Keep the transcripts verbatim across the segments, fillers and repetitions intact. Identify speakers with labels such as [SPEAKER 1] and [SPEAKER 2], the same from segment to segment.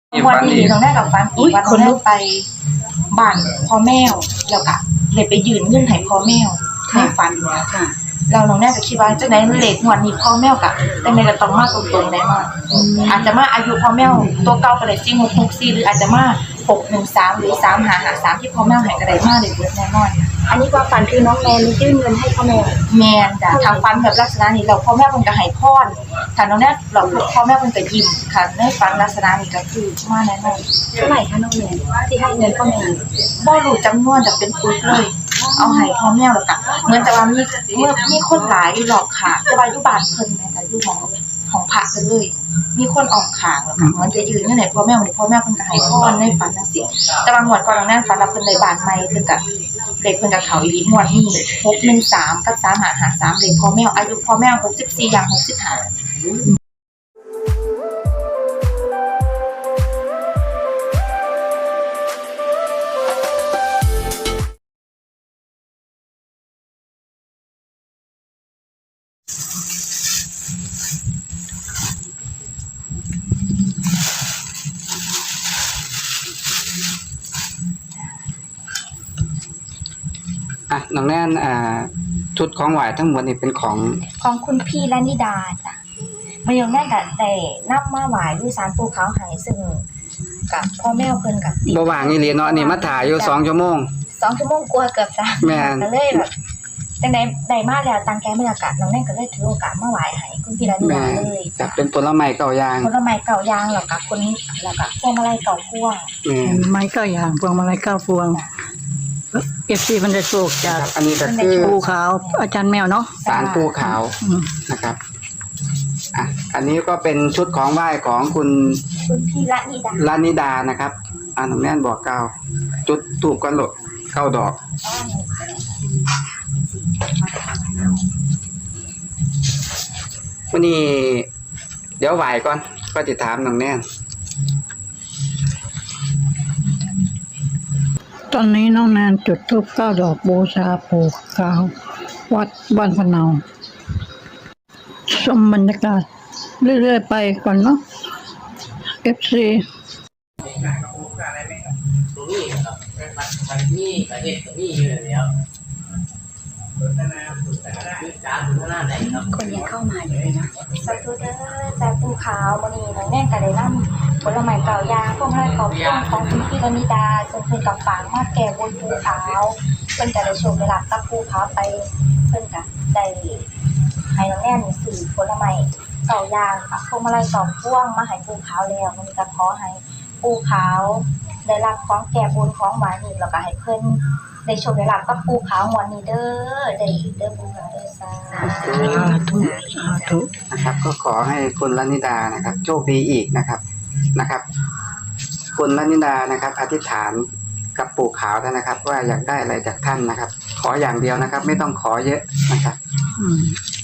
[SPEAKER 1] วันนี้น้องได้กับฟันอีกวันน้องได้ไปบ้านพ่อแม่แล้วก็เลยไปยืนเงื่อนไขพ่อแม่ให้ฟันเนี่ยค่ะเราน้องแน่ก็คิดว่าจังได๋มันเลขงวดนี้พ่อแม่ก็แต่ไม่ก็ต้องมาตรงๆแน่นอนอาจจะมาอายุพ่อแม่ตัวเก่าก็ได้สี่หกหกสี่หรืออาจจะมาหกหนึ่งสามหรือสามห้าห้าสามที่พ่อแม่ให้ก็ได้มาได้เบิดแน่นอน
[SPEAKER 2] อันนี้ความฝันคือน้องแมนยื่นเงินให้พ่อแม่
[SPEAKER 1] แม่นจ้ะทางฟันแบบลักษณะนี้เราพ่อแม่เพิ่นก็ให้พรถ้าน้องแน่เราพ่อแม่เพิ่นก็ยิ้มค่ะในฟันลักษณะนี้ก็คือมาแน่นอน
[SPEAKER 2] เท่าไหร่คะน้องแมนที่ให้เงินพ่อแม่
[SPEAKER 1] บ่รู้จำนวนจะเป็นปึกเลยเอาให้พ่อแม่แล้วก็เหมือนจะว่ามีเมื่อมีคนหลายอยู่รอบข้างแต่ว่าอยู่บ้านเพิ่นแม่ก็อยู่ของของพระเพิ่นเลยมีคนออกข้างแล้วก็เหมือนจะยืนอยู่ไหนพ่อแม่นี่พ่อแม่เพิ่นก็ให้พรในฝันจังซี่แต่ว่างวดก่อนน้องแน่ฝันว่าเพิ่นได้บ้านใหม่เพิ่นก็เด็กเพิ่นก็เข้าอีหลีงวดนี้หกหนึ่งสามกับสามห้าห้าสามเด็กพ่อแม่อายุพ่อแม่หกสิบสี่อย่างหกสิบห้า
[SPEAKER 3] อ่ะน้องแน่นอ่าชุดของไหวทั้งหมดนี่เป็นของ
[SPEAKER 1] ของคุณพี่ลนิดาจ้ะมันยังแม่ก็ได้นำมาไหว้ที่ศาลปู่เขาให้ซึ่งกับพ่อแม่เพิ่นก็
[SPEAKER 3] บ่ว่างอีหลีเนาะนี่มาถ่ายอยู่สองชั่วโมง
[SPEAKER 1] สองชั่วโมงกว่าเกือบสาม
[SPEAKER 3] แม่น
[SPEAKER 1] ก็เลยแบบจังได๋ได้มาแล้วตั้งใจบรรยากาศน้องแน่ก็เลยถือโอกาสมาไหว้ให้คุณพี่ลนิดาเลย
[SPEAKER 3] จ้ะเป็นผลไม้เก่าอย่าง
[SPEAKER 1] ผลไม้เก่าอย่างแล้วก็คนแล้วก็พวงมาลัยเก่าพวง
[SPEAKER 3] แม่
[SPEAKER 4] ไม้เก้าอย่างพวงมาลัยเก้าพวงเอฟซีมันได้โชคจาก
[SPEAKER 3] อันนี้ก็คือ
[SPEAKER 4] ปูขาวอาจารย์แมวเนาะ
[SPEAKER 3] ศาลปูขาวนะครับอ่ะอันนี้ก็เป็นชุดของไหว้ของคุณ
[SPEAKER 1] คุณพี่ละนิดา
[SPEAKER 3] ละนิดานะครับอ่าน้องแน่นบอกกล่าวจุดถูกกันโลดเข้าดอกวันนี้เดี๋ยวไหว้ก่อนก็จะถามน้องแน่น
[SPEAKER 4] ตอนนี้น้องแนนจุดธูปเก้าดอกบูชาปู่ขาววัดบ้านพะเนาชมบรรยากาศเรื่อยๆไปก่อนเนาะ เอฟ ซี
[SPEAKER 2] คนยังเข้ามาอยู่เลยนะ
[SPEAKER 1] สาธุเด้อจากปู่ขาวมื้อนี้น้องแน่ก็ได้นำผลไม้เก่าอย่างพวกมาลัยเก่าพวงของคุณพี่ลนิดาซึ่งเพิ่นก็ฝากมาแก้บนปู่ขาวเพิ่นก็ได้โชคได้ลาภกับปู่ขาวไปเพิ่นก็ได้ให้น้องแน่นี่ซื้อผลไม้เก่าอย่างค่ะพวงมาลัยเก่าพวงมาให้ปู่ขาวแล้วมื้อนี้ก็ขอให้ปู่ขาวได้รับของแก้บนของหวานนี่แล้วก็ให้เพิ่นได้โชคได้ลาภกับปู่ขาวงวดนี้เด้อได้อีกเด้อปู่ขาวเด้อสาธุ
[SPEAKER 4] สาธุ
[SPEAKER 3] นะครับก็ขอให้คุณละนิดานะครับโชคดีอีกนะครับนะครับคุณละนิดานะครับอธิษฐานกับปู่ขาวท่านนะครับว่าอยากได้อะไรจากท่านนะครับขออย่างเดียวนะครับไม่ต้องขอเยอะนะครับอืม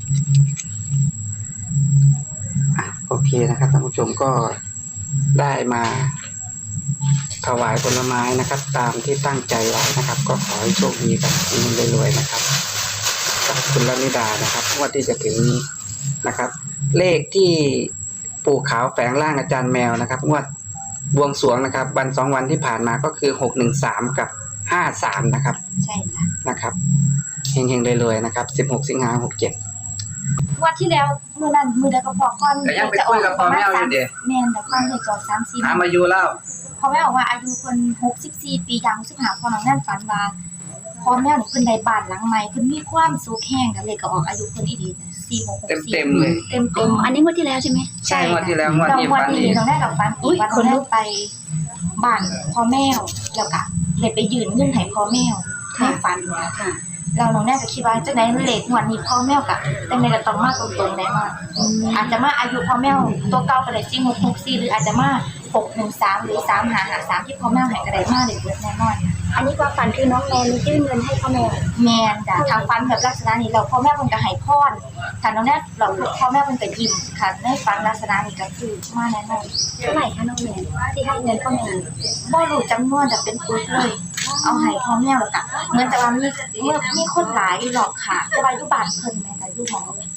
[SPEAKER 3] อ่ะโอเคนะครับท่านผู้ชมก็ได้มาถวายผลไม้นะครับตามที่ตั้งใจไว้นะครับก็ขอให้โชคดีกันรวยๆนะครับกับคุณละนิดานะครับงวดที่จะถึงนี้นะครับเลขที่ปู่ขาวแฝงร่างอาจารย์แมวนะครับงวดบวงสรวงนะครับวันสองวันที่ผ่านมาก็คือหกหนึ่งสามกับห้าสามนะครับ
[SPEAKER 1] ใช่ค่ะ
[SPEAKER 3] นะครับเฮงๆรวยๆนะครับสิบหกสิงหาหกเจ็ด
[SPEAKER 1] วันที่แล้วมื้อนั้นมื้อใดก็พอก่อน
[SPEAKER 3] จะไปคุยกับพ่อแม่อยู่เด้
[SPEAKER 1] แม่นแต่ก่อนเลขจอดสามสี่
[SPEAKER 3] ถามอายุแล้ว
[SPEAKER 1] พ่อแม่บอกว่าอายุเพิ่นหกสิบสี่ปีอย่างสิบห้าพอน้องนั่นฝันว่าพ่อแม่นี่เพิ่นได้บ้านหลังใหม่เพิ่นมีความสุขแฮงกันเลยก็ออกอายุเพิ่นอีดีสี่หกหกสี่
[SPEAKER 3] เต็มๆเลย
[SPEAKER 1] เต็มๆ
[SPEAKER 2] อันนี้งวดที่แล้วใช่ไหม
[SPEAKER 3] ใช่งวดที่แล้วงวดที่ฝัน
[SPEAKER 1] นี่น้องได้กับฝันอีกวันน้องได้ไปบ้านพ่อแม่แล้วก็เลยไปยืนเงื่อนไขพ่อแม่ให้ฝันค่ะเราน้องแน่ก็คิดว่าจังได๋มันเลขงวดนี้พ่อแม่ก็จังได๋ก็ต้องมาตรงๆแน่นอนอาจจะมาอายุพ่อแม่ตัวเก่าก็ได้สี่หกหกสี่หรืออาจจะมาหกหนึ่งสามหรือสามห้าห้าสามที่พ่อแม่ให้ก็ได้มาได้เบิดแน่นอน
[SPEAKER 2] อันนี้ความฝันคือน้องแมนยื่นเงินให้พ่อแม่
[SPEAKER 1] แม่นจ้ะทางฝันแบบลักษณะนี้เราพ่อแม่เพิ่นก็ให้พรถ้าน้องแน่เราพ่อแม่เพิ่นก็ยิ้มค่ะในฝันลักษณะนี้ก็คือมาแน่นอน
[SPEAKER 2] เท่าไหร่คะน้องแมนที่ให้เงินพ่อแม่
[SPEAKER 1] บ่รู้จำนวนจะเป็นปึกเลยเอาให้พ่อแม่แล้วก็เหมือนจะว่ามีเมื่อมีคนหลายอยู่รอบข้างแต่ว่าอยู่บ้านเพิ่นแม่ก็อยู่ของของพระ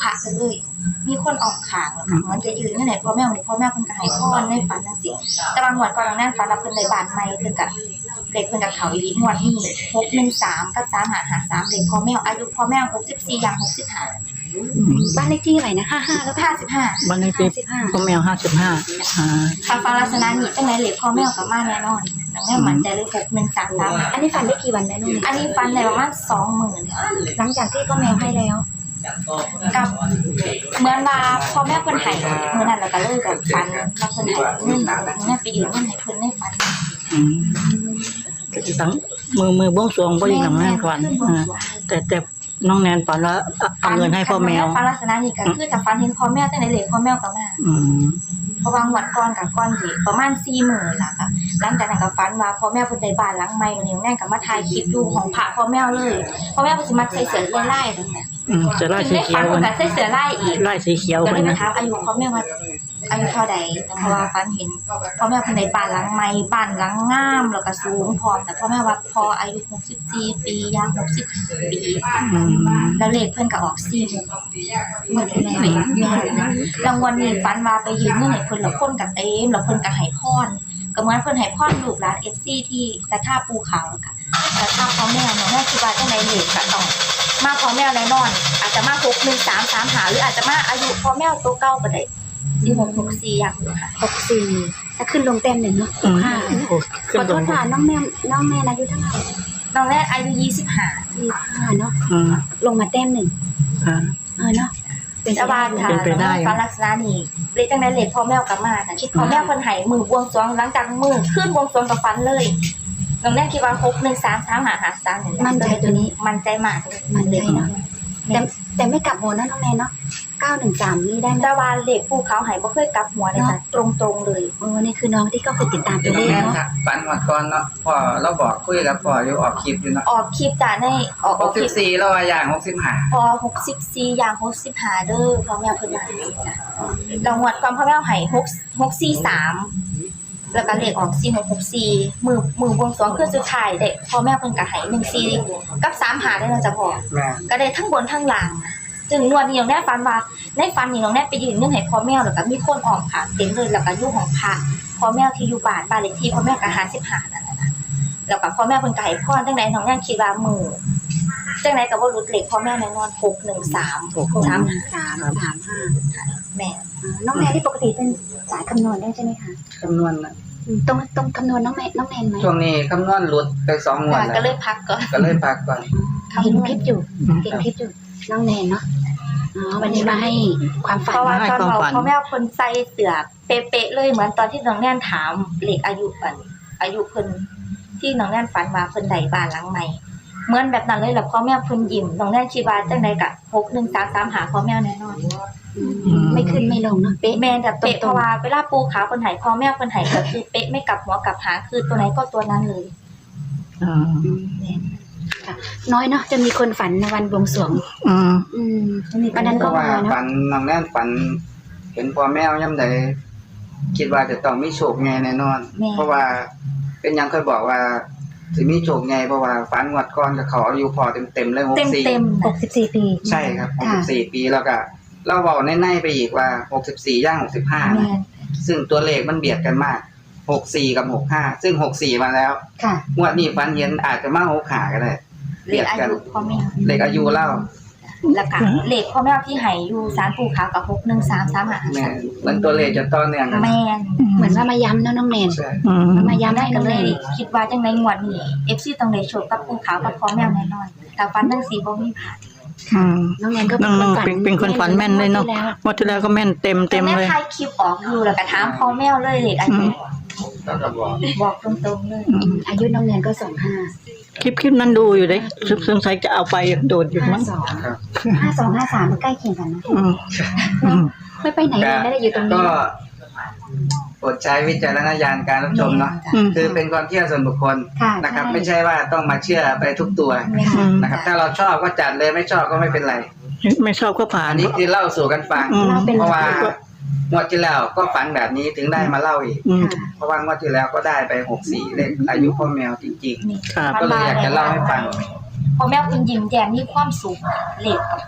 [SPEAKER 1] ระกันเลย มีคนออกขางแล้วก็มันจะยืนเมื่อไหร่พ่อแม่วันนี้พ่อแม่เพิ่นก็ให้พรในฝันจังซี่แต่บางงวดก่อนนั้นฝันว่าเพิ่นได้บ้านใหม่เพิ่นก็เด็กเพิ่นก็เข้าอีหลีงวดนี้หกหนึ่งสามกับสามห้าห้าสามเด็กพ่อแม่อายุพ่อแม่หกสิบสี่อย่างหกสิบห้า
[SPEAKER 2] บ้านเลขที่อะไรนะห้าห้าแล้ว
[SPEAKER 1] ห้าสิบห้า
[SPEAKER 4] บ้านเลขที่พ่อแมวห้าสิบห้าอ่า
[SPEAKER 1] ถ้าฟังลักษณะนี้จังได๋เหล็กพ่อแม่ก็มาแน่นอนน้องแม่มั่นใจเลยหกหนึ่งสามสาม
[SPEAKER 2] อันนี้ฝันได้กี่วันแล้วน้องเน
[SPEAKER 1] อันนี้ฟันได้ประมาณสองหมื่น
[SPEAKER 2] หลังจากที่พ่อแมวให้แล้ว
[SPEAKER 1] กับเหมือนว่าพ่อแม่เพิ่นให้มื้อนั้นแล้วก็เลยแบบฟันว่าเพิ่นให้เงินแม่ไปยืมเงินให้เพิ่นในฝัน
[SPEAKER 4] อืมก็สิตั้งมือมือบวงสรวงบ่ได้ทำงานก่อนอ่าแต่แต่น้องแนนฝันว่าเอาเงินให้พ่อแมว
[SPEAKER 1] ฟันลักษณะนี้ก็คือถ้าฟันเห็นพ่อแม่จังได๋เหล็กพ่อแม่ก็มา
[SPEAKER 4] อืม
[SPEAKER 1] เพราะว่างวดก่อนกับก่อนที่ประมาณสี่หมื่นล่ะค่ะหลังจากนั้นก็ฝันว่าพ่อแม่เพิ่นได้บ้านหลังใหม่วันนี้แม่ก็มาถ่ายคลิปอยู่ของพระพ่อแม่เลยพ่อแม่เพิ่นสิมักใส่เสื้อลายๆจังซี่
[SPEAKER 4] อืมจะไล่สีเขียว
[SPEAKER 1] เพิ่
[SPEAKER 4] มัน
[SPEAKER 1] นก็ใส่เสื้อลายอีก
[SPEAKER 4] ไล่สีเขียว
[SPEAKER 1] ก็
[SPEAKER 4] มั
[SPEAKER 1] เลย
[SPEAKER 4] น
[SPEAKER 1] ไป
[SPEAKER 4] นะ
[SPEAKER 1] ถามอายุพ่อแม่ว่าอายุเท่าใดเพราะว่าฝันเห็นพ่อแม่เพิ่นได้บ้านหลังใหม่บ้านหลังงามแล้วก็สูงพร้อมแต่พ่อแม่ว่าพออายุหกสิบสี่ปีย่างหกสิบห้าปี
[SPEAKER 4] อืม
[SPEAKER 1] แล้วเลขเพิ่นก็ออกสี่เมื่อที่แล้วแม่รางวัลนี้ฝันว่าไปยืมเงินให้เพิ่นแล้วคนก็เต็มแล้วเพิ่นก็ให้พรก็เหมือนเพิ่นให้พรลูกหลาน เอฟ ซี ที่ศรัทธาปู่ขาวแล้วก็ศรัทธาพ่อแม่เนาะแม่คิดว่าจังได๋เลขก็ต้องมาพ่อแม่แน่นอนอาจจะมาหกหนึ่งสาม สามหาหรืออาจจะมาอายุพ่อแม่ตัวเก่าก็ได้สี่หกหกสี่อย่างนี้ค่ะ
[SPEAKER 2] หกสี่ถ้าขึ้นลงแต้มหนึ่งเนาะ
[SPEAKER 4] อืม
[SPEAKER 2] ห้า
[SPEAKER 4] โอ้ขึ้
[SPEAKER 2] ข
[SPEAKER 4] น
[SPEAKER 2] อ
[SPEAKER 4] ล
[SPEAKER 2] โท
[SPEAKER 4] ง
[SPEAKER 2] ษค่ะน้องแม่น้องแม่อายุเท่าไหร่
[SPEAKER 1] น้องแรกอายุยี่สิบห้า
[SPEAKER 2] ยี่ห้าเนาะ
[SPEAKER 4] อืม
[SPEAKER 2] ลงมาแต้มหนึ่ง
[SPEAKER 4] อ่า
[SPEAKER 2] เออเนาะเป็น
[SPEAKER 1] แต่ว่าถ้า
[SPEAKER 4] เป็นไปได้
[SPEAKER 1] ฟันลักษณะนี้เลขจังได๋เลขพ่อแม่กลับมาน่ะคิดพ่อแม่เพิ่นให้มือบวงสรวงหลังจากมือขึ้นบวงสรวงกับฟันเลยน้องแรกคิดว่าหกหนึ่งสาม สามห้าห้าสาม
[SPEAKER 2] มั่นใจตัวนี้
[SPEAKER 1] มั่นใจมากเลย
[SPEAKER 2] มั่นใจเนาะ แต่แต่ไม่กลับหัวนะน้องแม่เนาะเก้าหนึ่งสามนี่ได้ไหม
[SPEAKER 1] แต่ว่าเลขผู้เขาให้บ่เคยกลับหัวเลยจ้ะตรงๆเลย
[SPEAKER 2] โอ้นี่คือน้องที่ก็เคยติดตามตัวเลข
[SPEAKER 3] แม่น
[SPEAKER 2] เนาะ
[SPEAKER 3] ครับฝันหมดก่อนเนาะพ่อเราบอกคุยกับพ่ออยู่ออกคลิปอยู่เนาะ
[SPEAKER 1] ออกคลิปจ้ะในออกออกคลิป
[SPEAKER 3] หกสิบสี่แล้วว่าอย่างหกสิบห้า
[SPEAKER 1] พอหกสิบสี่อย่างหกสิบห้าเด้อพ่อแม่เพิ่นว่าจังซี่จ้ะรางวัลก่อนพ่อแม่ให้หก หกสี่สามแล้วก็เลขออกสี่หกหกสี่มือมือบวงสรวงคือสุดท้ายเด็กพ่อแม่เพิ่นก็ให้หนึ่งสี่กับสามหาได้แล้วจ้ะพ่อ
[SPEAKER 3] แม่
[SPEAKER 1] ก็ได้ทั้งบนทั้งล่างจึงนวดนี่น้องแน่ฝันว่าในฝันนี่น้องแน่ไปยืนเงินให้พ่อแม่แล้วก็มีคนออกค่ะเต็มเลยแล้วก็อยู่ของพระพ่อแม่ที่อยู่บ้านบ้านเลขที่พ่อแม่ก็ห้าสิบห้านั่นน่ะนะแล้วก็พ่อแม่เพิ่นก็ให้พรจังไดน้องแน่คิดว่ามือจังไดก็บ่รู้เลขพ่อแม่แน่นอนหกหนึ่งสาม
[SPEAKER 2] หก
[SPEAKER 1] สาม
[SPEAKER 2] สามสามห้า
[SPEAKER 1] แม่
[SPEAKER 2] อ่าน้องแม่ที่ปกติเป็นสายคำนวณได้ใช่ไหมคะ
[SPEAKER 3] คำนวณนะ
[SPEAKER 2] อืมตรงตรงคำนวณน้องแม่น้องแม่ไหม
[SPEAKER 3] ช่วงนี้คำนวณหลุดไปสองงวด
[SPEAKER 1] ก็เล
[SPEAKER 3] แล้ว
[SPEAKER 1] ยพักก่อน
[SPEAKER 3] ก็เลยพักก่อน
[SPEAKER 2] เห็นคลิปอยู่เห็นคลิปอยู่น้องแนนเนาะอ๋อวันนี้มาให้ความฝัน
[SPEAKER 1] เพราะว่า
[SPEAKER 4] ให้
[SPEAKER 1] ตอน
[SPEAKER 4] ความ
[SPEAKER 1] เรา
[SPEAKER 4] ฝัน
[SPEAKER 1] พ่อแม่คนใส่เสื้อเป๊ะๆเลยเหมือนตอนที่น้องแน่นถามเลขอายุอันอายุเพิ่นที่น้องแน่นฝันว่าเพิ่นได้บ้านหลังใหม่เหมือนแบบนั้นเลยแล้วพ่อแม่เพิ่นยิ้มน้องแน่นคิดว่าจังได๋ก็หกหนึ่งสามสามหาพ่อแม่แน่นอน
[SPEAKER 2] อืมไม่ขึ้นไม่ลงเนาะเป๊ะ
[SPEAKER 1] แม่นแต่เป๊ะ
[SPEAKER 2] ตรงๆ
[SPEAKER 1] เพราะว่าเวลาปูขาวเพิ่นให้พ่อแม่เพิ่นให้ก็คือเป๊ะไม่กลับหัวกลับหางคือตัวไหนก็ตัวนั้นเลย
[SPEAKER 4] อ่า
[SPEAKER 2] อืมค่ะน้อยเนาะจะมีคนฝันในวันบวงสรวง
[SPEAKER 4] อืม
[SPEAKER 2] อืมวันนั้น
[SPEAKER 3] เพ
[SPEAKER 2] ก็
[SPEAKER 3] ราะว่า
[SPEAKER 2] มาเนาะ
[SPEAKER 3] ฝันน้องแน่นฝัน เห็นพ่อแม่ย่ำใดคิดว่าจะต้องมีโชคไงแน่นอน เพราะว่าเป็นหยังเคยบอกว่าสิมีโชคไงเพราะว่าฝันงวดก่อนกับเขาอายุพอเต็มๆเลยหก
[SPEAKER 1] เต็ม
[SPEAKER 3] สี่
[SPEAKER 1] เต็ม
[SPEAKER 2] หกสิบสี่ปี
[SPEAKER 3] ใช่ครับหกสิบสี่ปีแล้วก็เราเว้าในๆไปอีกว่าหกสิบสี่ย่างหกสิบห้า
[SPEAKER 1] แม่น
[SPEAKER 3] ซึ่งตัวเลขมันเบียดกันมากหกสี่กับหกห้าซึ่งหกสี่มาแล้ว
[SPEAKER 2] ค่ะ
[SPEAKER 3] งวดนี้ฝันเห็นอาจจะมาหกห้าก็ได้
[SPEAKER 1] เลขอายุพ่อแม่
[SPEAKER 3] เลขอายุเล่า
[SPEAKER 1] แล้วก็เลขพ่อแม่ที่ให้อยู่ศาลปู่ขาวกับหกหนึ่งสามสามหา
[SPEAKER 3] แม่นมันตัวเลขจะต่อเนื่องกัน
[SPEAKER 1] แม่น
[SPEAKER 2] เหมือนว่ามาย้ำเนาะน้องแนน
[SPEAKER 3] ใช่
[SPEAKER 4] อืม
[SPEAKER 2] มาย้ำ
[SPEAKER 1] แม่
[SPEAKER 2] ให้
[SPEAKER 1] ก็
[SPEAKER 2] น้อง
[SPEAKER 1] เล
[SPEAKER 2] แน
[SPEAKER 1] ย
[SPEAKER 2] น
[SPEAKER 1] คิดว่าจังในงวดนี้ เอฟ ซี ต้องได้โชคกับปู่ขาวกับพ่อแม่แน่นอนแต่ฟันทั้งสี่บ่มีผ่าน
[SPEAKER 4] อืม
[SPEAKER 2] น้องแนนก็
[SPEAKER 4] น้องๆเป็นเป็นคนฝันแม่นเลยเนาะเมื่อที่แล้วก็แม่นเต็มเต็ม
[SPEAKER 1] แม่
[SPEAKER 4] เลย
[SPEAKER 1] ถ่ายคลิปออกอยู่แล้วก็ถามพ่อแม่เลยเลขอายุบอกตรงๆเลย
[SPEAKER 2] อืมอายุน้องแนนก็สองห้า
[SPEAKER 4] คลิปคลิปนั้นดูอยู่เลยสงสัยจะเอาไปโดดอยู่
[SPEAKER 2] ห้า
[SPEAKER 4] มั้ง
[SPEAKER 2] สอง
[SPEAKER 3] ครับ
[SPEAKER 2] ห้าสองห้าสามมันใกล้เคียงกันนะ
[SPEAKER 4] อืมอืม
[SPEAKER 2] ไม่ไปไหนเลยไม่ได้อยู่ตรงนี้
[SPEAKER 3] ก็โปรดใช้วิจารณญาณการรับชมเนาะ
[SPEAKER 4] อืม
[SPEAKER 3] คือเป็นความเชื่อส่วนบุคคล
[SPEAKER 2] ค่ะ
[SPEAKER 3] นะครับ
[SPEAKER 2] ใช่
[SPEAKER 3] ไม่ใช่ว่าต้องมาเชื่อไปทุกตัว
[SPEAKER 4] อืม
[SPEAKER 3] นะครับ ถ้าเราชอบก็จัดเลยไม่ชอบก็ไม่เป็นไร
[SPEAKER 4] ไม่ชอบก็ผ่า
[SPEAKER 3] อั
[SPEAKER 4] น
[SPEAKER 3] นนี้คือเล่าสู่กันฟัง
[SPEAKER 4] อืม
[SPEAKER 2] เราเป็น
[SPEAKER 3] เพราะว่างวดที่แล้วก็ฝันแบบนี้ถึงได้มาเล่าอีก
[SPEAKER 4] อืม
[SPEAKER 3] เพราะว่างวดที่แล้วก็ได้ไปหกสี่เลขอายุพ่อแมวจริง
[SPEAKER 1] นี่
[SPEAKER 4] ครับ
[SPEAKER 3] ก็เลยอยากจะเล่าให้ฟัง
[SPEAKER 1] พ่อแม่คุณยิ้มแย้มมีความสุขเลขกับ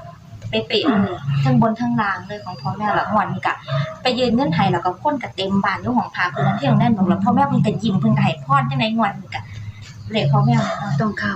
[SPEAKER 1] เป๊ะๆเลยทั้งบนทั้งล่างเลยของพ่อแม่ละงวดนี้ก็ไปยืนเงื่อนไขแล้วก็คนก็เต็มบ้านอยู่ของพาเพิ่นที่โรงแรมบอกแล้วพ่อแม่เพิ่นก็ยิ้มเพิ่นก็ให้พรจังได๋งวดนี้ก็เลขพ่อแม่เนาะ
[SPEAKER 2] ต้องเข้า